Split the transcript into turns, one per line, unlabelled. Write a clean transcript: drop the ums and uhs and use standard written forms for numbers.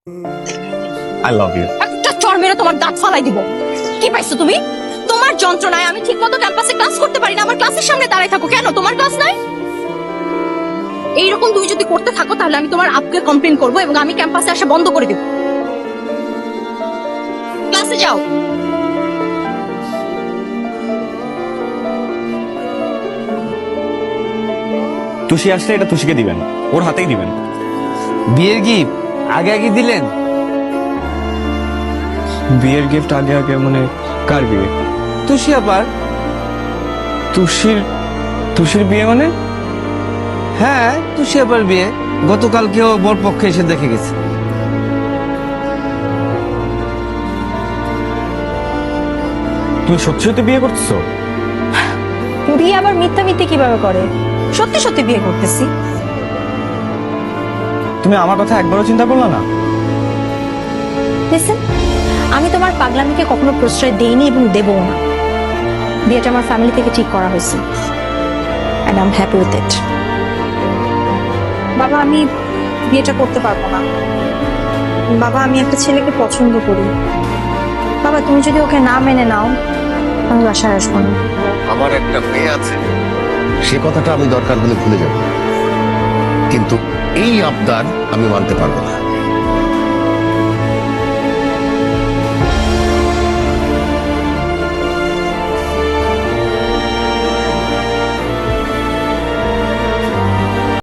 I love you.
একটা চড় মেরে তোমার দাঁত ফালাই দিব। কি পাইছো তুমি? তোমার যন্ত্রণায় আমি ঠিকমতো ক্যাম্পাসে ক্লাস করতে পারি না। আমার ক্লাসের সামনে দাঁড়ায় থাকো কেন? তোমার ক্লাস নাই? এইরকম তুমি যদি করতে থাকো তাহলে আমি তোমার আপকে কমপ্লেইন করব এবং আমি ক্যাম্পাসে আসা বন্ধ করে দেব। ক্লাসে যাও।
তুষি আসলে এটা তুষিকে দিবেন, ওর হাতেই দিবেন।
বিয়ের গিফট আগে আগে দিলেন?
বিয়ের গিফট আগে আগে মানে কার বিয়ে?
তুষি আবার?
তুষির বিয়ে মানে?
হ্যাঁ, তুষি আবার বিয়ে। গতকালকেও বর পক্ষে এসে দেখে গেছে।
তুমি সত্যি সত্যি বিয়ে করতেছো?
বিয়ে আবার মিথ্যা মিথ্যে কিভাবে করে? সত্যি সত্যি বিয়ে করতেছি।
তুমি আমার কথা একবারও চিন্তা করলে না?
লিসেন, আমি তোমার পাগলামিকে কখনো প্রশ্রয় দেইনি এবং দেবও না। বিয়েটা আমার ফ্যামিলি থেকে ঠিক করা হয়েছে and I'm happy with it. বাবা, আমি বিয়েটা করতে পারবো না। বাবা, আমি একটা ছেলেকে পছন্দ করি। বাবা, তুমি যদি ওকে না মেনে নাও আমি বাসায় আসবো না।
আমার একটা মেয়ে আছে, সে কথাটা আমি দরকার হলে ভুলে যাব, কিন্তু এই আবদার আমি মানতে পারবো না।